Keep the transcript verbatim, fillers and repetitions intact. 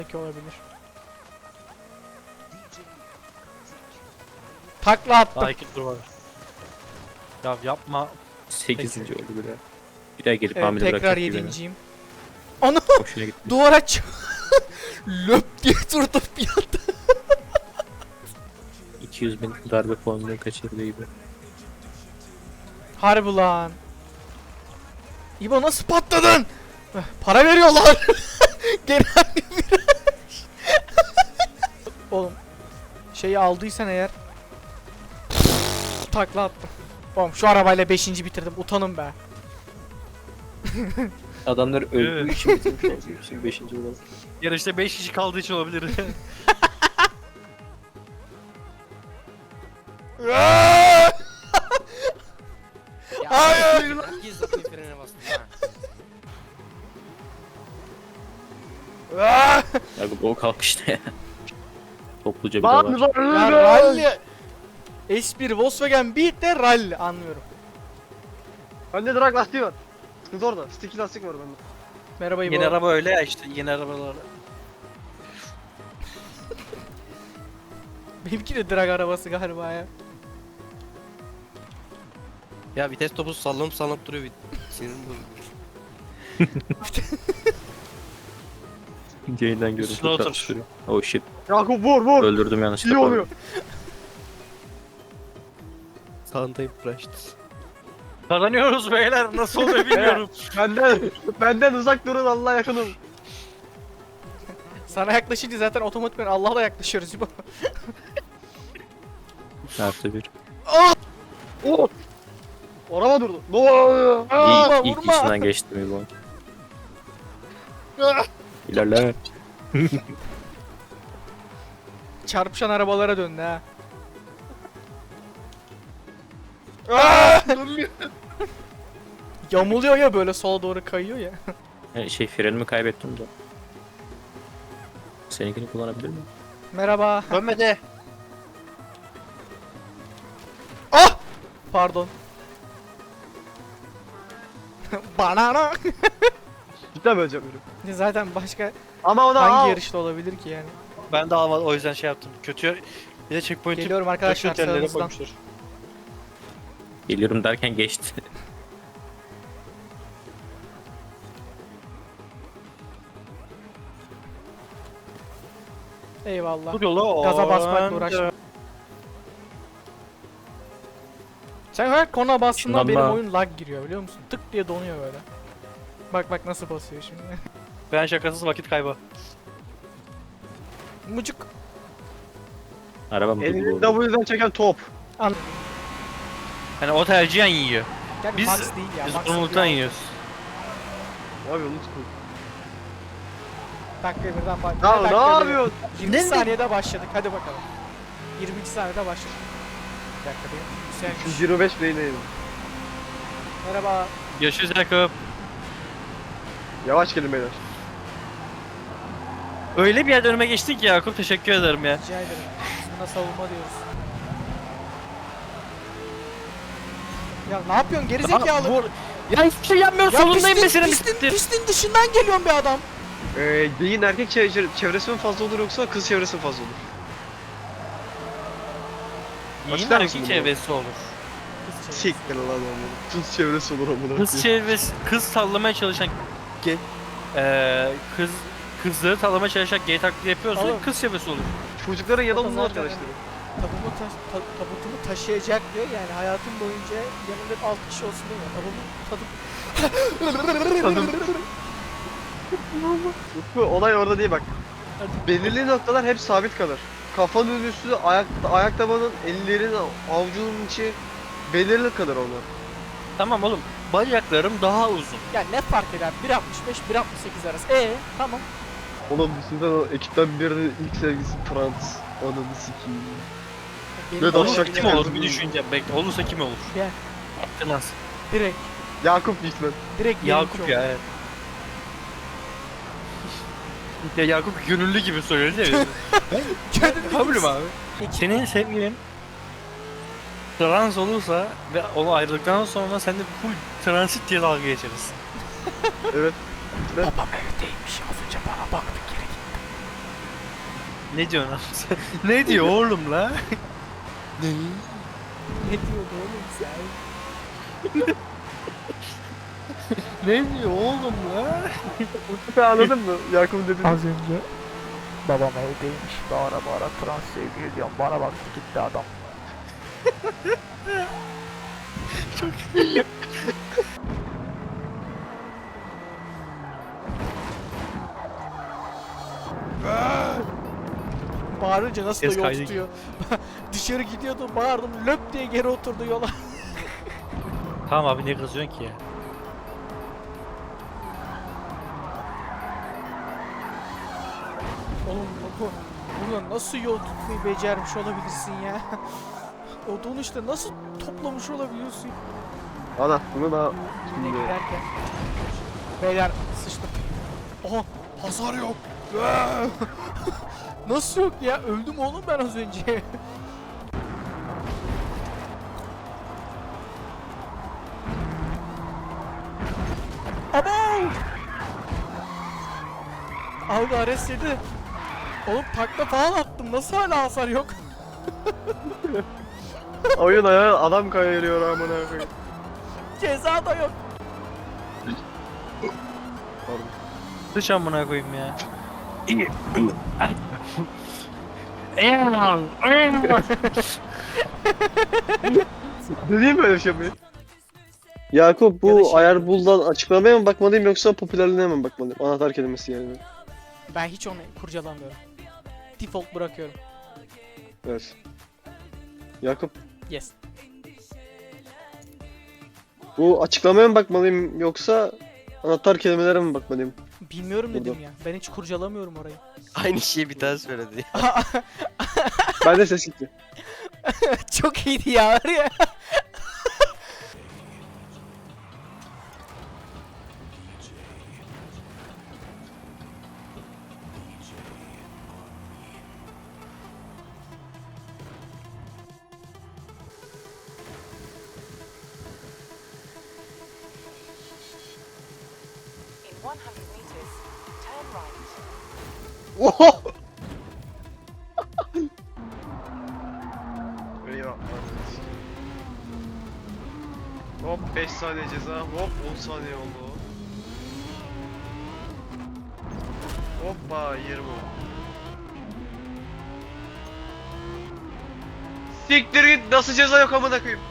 Belki olabilir. Takla attım. Daha iki tur var. Ya yapma. sekizinci oldu bir daha. Bir daha gelip Evet, hamile tekrar bırakacak gibi. yedinciyim. Ana! Hoşuna gitti. Duvara ç- löp diye durdum bir anda. iki yüz bin darbe puanını kaçırdı gibi. Harbi lan. İbo nasıl patladın? Eh, Para veriyorlar. Genel bir viraj. Oğlum şeyi aldıysan eğer takla attım. Oğlum şu arabayla beşinci bitirdim. Utanın be. Adamlar öldüğü için bitirmiş olsun. beşinci olan. Yarışta beş kişi kaldığı için olabilir. Hayır. Gizli frene bastım ha. Ah! Ya bu o kalkışta ya. Topluca bir de Lan var. Ya lan rally. S bir Volkswagen Beat de rally anlıyorum. Bende drag lastiği var. Sıkıntı orada. Sticky lastik var bende. Merhaba İbo. Yeni araba öyle ya işte yeni arabalar. Benimki de drag arabası galiba ya. Ya vites topu sallanıp sallanıp duruyor. Sinirim bozuldu. Yayından Üstüne görüntü otur. karıştırıyor. Oh shit. Yakup vur vur. Öldürdüm yanlışlıkla. İyi oluyor. Sağındayım Raşit. Kazanıyoruz beyler nasıl oluyor bilmiyorum. Benden benden uzak durun, Allah'a yakın olun. Sana yaklaşınca zaten otomatikman Allah'a da yaklaşıyoruz İbo. Artı bir. Oh! Araba durdu. Ne oluyor? Aa, İlk, ilk vurma. içinden geçtim bu. İlerle. Çarpışan arabalara döndü ha. Ah! Yamuluyor ya böyle sola doğru kayıyor ya. Ha, şey frenimi kaybettim de. Seninkini kullanabilir miyim? Merhaba. Dönme de. Ah! Pardon. Banana. Cidden öleceğim benim. Zaten başka Ama ona hangi al. yarışta olabilir ki yani? Ben de almadım o yüzden şey yaptım. Kötü bir de checkpoint'i Geliyorum arkadaşlar kötü yerlere sağınızdan. koymuşlar. Geliyorum derken geçti. Eyvallah. Dur yola. Gaza basmakla uğraşma. Sen her kona bastığında Şundan benim da- oyun lag giriyor biliyor musun? Tık diye donuyor böyle. Bak bak nasıl basıyor şimdi. Ben şakasız vakit kaybı. Mucuk. Arabam Elini dolu. W'den çeken top. Yani o tercihen yiyor. Yani Biz- Max değil ya. Biz Max umuttan değil. yiyoruz. Abi unuttum. Dakika birden bak. Ya ne yapıyorsun? yirmi saniyede başladık. Hadi bakalım. yirminci saniyede başladık. Bir dakika benim. Sen yüz yirmi beş beyneyim. merhaba. Görüşürüz Yakup. Yavaş gelin beyler. Öyle bir yerde önüme geçtin ki Yakup teşekkür ederim ya. Rica ederim. Biz buna savunma diyoruz. Ya ne yapıyorsun gerizekalı? Vur. Ya hiçbir şey yapmıyorum solundayım pistin, mesela pistin, bitti. pistin dışından geliyorsun be adam. Ee, beyin erkek çevre- çevresi mi fazla olur yoksa kız çevresi mi fazla olur? İyi Açıklar mısın erkek bunu? çevresi olur. Kız şey. Siktir lan amına. Kız çevresi olur amına. Kız çevresi, kız sallamaya çalışan ge, eee kız kızları sallamaya çalışan gay taklidi yapıyorsa Oğlum. kız çevresi olur. Çocukların O yanında da zaten- arkadaşları. Tabumu taş, ta, tabutumu taşıyacak diyor yani hayatım boyunca yanımda hep altı kişi olsun diyor. Tabumu tadım. Utku olay orada değil bak. Belirli noktalar hep sabit kalır. Kafanın üstü, ayak, ayak tabanın, ellerin, avucunun içi belirli kalır onlar. Tamam oğlum. Bacaklarım daha uzun. Ya ne fark eder? bir altmış beş bir altmış sekiz arası. Ee tamam. Oğlum düşünsene o ekipten birinin ilk sevgisi trans. Ananı sikiyim. Benim Evet, oğlum aşağı bile- Kim olur bir düşüneceğim. Bekle olursa kim olur? Gel. Klas. Direkt. Yakup Dikmen. Direkt Yakup benimki ya oldu. evet. Ya Yakup gönüllü gibi söylüyor değil mi? Gönüllü Kabulüm gibisin. abi. Ekip- Senin sevgilin trans olursa ve onu ayrıldıktan sonra sen de full transit diye dalga geçeriz. Evet. Babam evdeymiş az önce bana baktı geri gitti. Ne diyorsun abi sen? Ne diyor oğlum la? Ne diyordu oğlum sen? Ne diyor oğlum la? Mustafa anladın mı? Yakup'un dediğini. Az önce babam evdeymiş. Bağıra bağıra trans sevgili diyorum. Bana baktı gitti adam. Bağırınca nasıl Ses da yol kaydı tutuyor. Dışarı gidiyordu, bağırdım, löp diye geri oturdu yola. Tamam abi ne kızıyorsun ki ya? Oğlum bu buradan nasıl yol tutmayı becermiş olabilirsin ya? O dönüşte nasıl toplamış olabiliyorsun? Ana bunu da Ne şimdi giderken. Beyler sıçtım. Oha hasar yok. Nasıl yok ya? Öldüm oğlum ben az önce. Abo! Abi Ares yedi. Oğlum takla falan attım. Nasıl hala hasar yok? oyun ayağı adam kayırıyor amına koyayım. Ceza da yok. Pardon. Dış amına koyayım ya. Dediğim böyle bir şey mi? Yakup Ya da bu şey- ayar buldan açıklamaya mı bakmalıyım yoksa popülerliğine mi bakmalıyım? Anahtar kelimesi yani. Ben hiç onu kurcalamıyorum. Default bırakıyorum. Evet. Yakup Yes. bu açıklamaya mı bakmalıyım yoksa anahtar kelimelere mi bakmalıyım? Bilmiyorum dedim Burada. ya. Ben hiç kurcalamıyorum orayı. Aynı şeyi bir daha söyledi. Ben de ses gitti. Çok iyiydi ya var ya. In one hundred meters, turn right. Oho! Eyvah. Hop beş saniye ceza, hop on saniye oldu. Hoppa yirmi. Siktir git, nasıl ceza yok amına koyayım?